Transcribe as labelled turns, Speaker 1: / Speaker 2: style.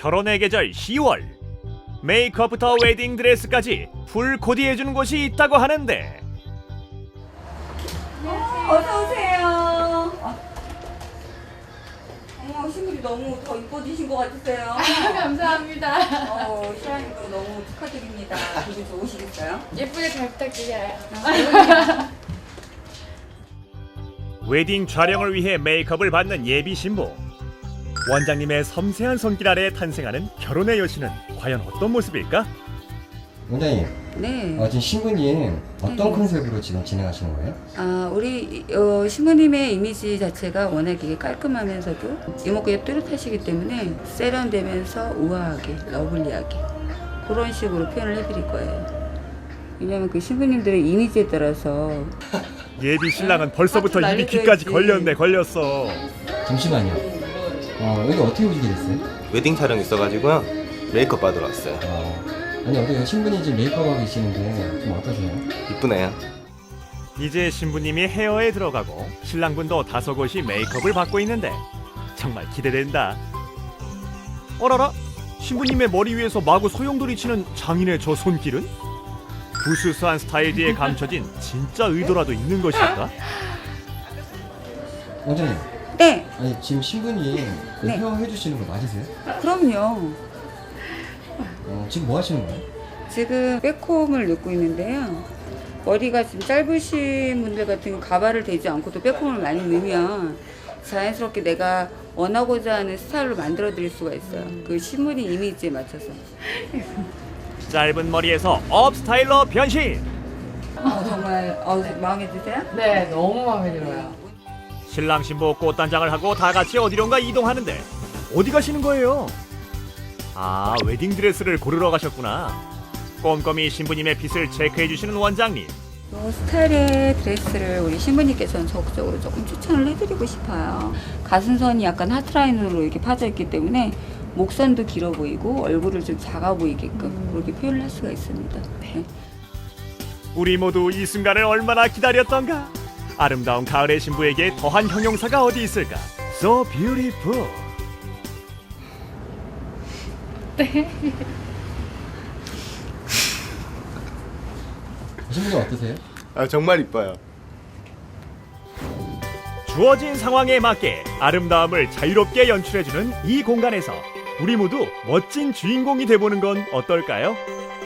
Speaker 1: 결혼의 계절 10월. 메이크업부터 웨딩 드레스까지 풀 코디해주는 곳이 있다고 하는데
Speaker 2: 어서 오세요. 어머, 신부님 너무 더 이뻐지신 것 같으세요.
Speaker 3: 감사합니다.
Speaker 2: 신랑님도 너무 축하드립니다. 기분 좋으시겠어요?
Speaker 3: 예쁘게 잘 부탁드려요.
Speaker 1: 웨딩 촬영을 위해 메이크업을 받는 예비 신부. 원장님의 섬세한 손길 아래 탄생하는 결혼의 여신은 과연 어떤 모습일까?
Speaker 4: 원장님,
Speaker 2: 네.
Speaker 4: 지금 신부님 어떤
Speaker 2: 네.
Speaker 4: 컨셉으로 지금 진행하시는 거예요?
Speaker 2: 우리 신부님의 이미지 자체가 워낙에 깔끔하면서도 이목구가 뚜렷하시기 때문에 세련되면서 우아하게, 러블리하게 그런 식으로 표현을 해드릴 거예요. 왜냐면 그 신부님들의 이미지에 따라서
Speaker 1: 예비 신랑은 벌써부터
Speaker 2: 화투
Speaker 1: 입이 귀까지
Speaker 2: 날려줘야지.
Speaker 1: 걸렸어.
Speaker 4: 잠시만요. 여기 어떻게 오시게 됐어요?
Speaker 5: 웨딩 촬영 있어가지고요. 메이크업 받으러 왔어요.
Speaker 4: 아니, 어떻게 신부님 지금 메이크업하고 계시는데 좀 어떠세요?
Speaker 5: 이쁘네요.
Speaker 1: 이제 신부님이 헤어에 들어가고 신랑분도 다소곳이 메이크업을 받고 있는데 정말 기대된다. 어라라? 신부님의 머리 위에서 마구 소용돌이 치는 장인의 저 손길은? 부스스한 스타일 뒤에 감춰진 진짜 의도라도 있는 것일까?
Speaker 4: 원장님,
Speaker 2: 네,
Speaker 4: 아니 지금 신부님 그
Speaker 2: 네.
Speaker 4: 헤어 해주시는 거 맞으세요?
Speaker 2: 그럼요.
Speaker 4: 지금 뭐 하시는 거예요?
Speaker 2: 지금 백홈을 넣고 있는데요. 머리가 지금 짧으신 분들 같은 경우 가발을 대지 않고도 백홈을 많이 넣으면 자연스럽게 내가 원하고자 하는 스타일로 만들어 드릴 수가 있어요. 그 신부님 이미지에 맞춰서.
Speaker 1: 짧은 머리에서 업 스타일러 변신!
Speaker 2: 정말 마음에 드세요?
Speaker 3: 네, 너무 마음에 들어요.
Speaker 1: 신랑 신부 꽃단장을 하고 다 같이 어디론가 이동하는데 어디 가시는 거예요? 아, 웨딩 드레스를 고르러 가셨구나. 꼼꼼히 신부님의 핏을 체크해 주시는 원장님.
Speaker 2: 이 스타일의 드레스를 우리 신부님께서는 적극적으로 조금 추천을 해드리고 싶어요. 가슴선이 약간 하트라인으로 이렇게 파져 있기 때문에 목선도 길어 보이고 얼굴을 좀 작아 보이게끔 그렇게 표현을 할 수가 있습니다. 네.
Speaker 1: 우리 모두 이 순간을 얼마나 기다렸던가. 아름다운 가을의 신부에게 더한 형용사가 어디 있을까? So beautiful.
Speaker 4: 신부님 어떠세요?
Speaker 5: 정말 이뻐요.
Speaker 1: 주어진 상황에 맞게 아름다움을 자유롭게 연출해주는 이 공간에서 우리 모두 멋진 주인공이 돼보는 건 어떨까요?